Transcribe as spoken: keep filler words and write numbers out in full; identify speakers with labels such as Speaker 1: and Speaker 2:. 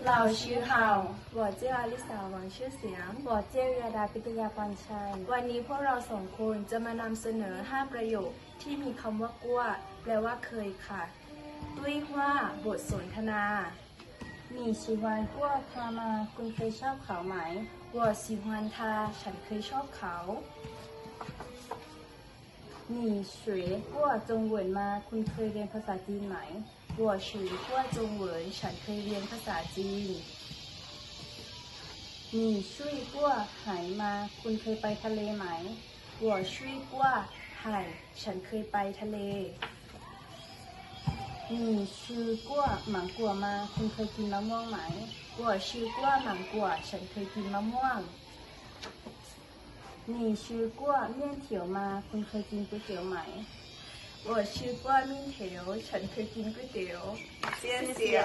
Speaker 1: เราชื่อเฮา
Speaker 2: 我叫อลิสาหวังชื่อเสียง我叫เยดาปิตยาปานชัย
Speaker 1: วันนี้พวกเราสองคนจะมานำเสนอห้าประโยคที่มีคำว่ากั้วแปลว่าเคยค่ะด้วยว่าบทสนทนา
Speaker 2: 你喜欢过他吗คุณเคยชอบเขาไหม
Speaker 1: 我喜欢他ฉันเคยชอบเขา
Speaker 2: 你学过中文吗คุณเคยเรียนภาษาจีนไหม
Speaker 1: 我学过中文ฉันเคยเรียนภาษาจีน
Speaker 2: 你睡过海吗คุณเคยไปทะเลไหม
Speaker 1: 我睡过海ฉันเคยไปทะเล
Speaker 2: 你吃过芒果吗คุณเคยกินมะม่วงไหม
Speaker 1: 我吃过芒果ฉันเคยกินมะม่วง
Speaker 2: 你吃过面条吗คุณเคยกินก๋วยเตี๋ยวไหม
Speaker 1: 我吃过面条ฉันเคยกินก๋วยเตี๋ยว谢谢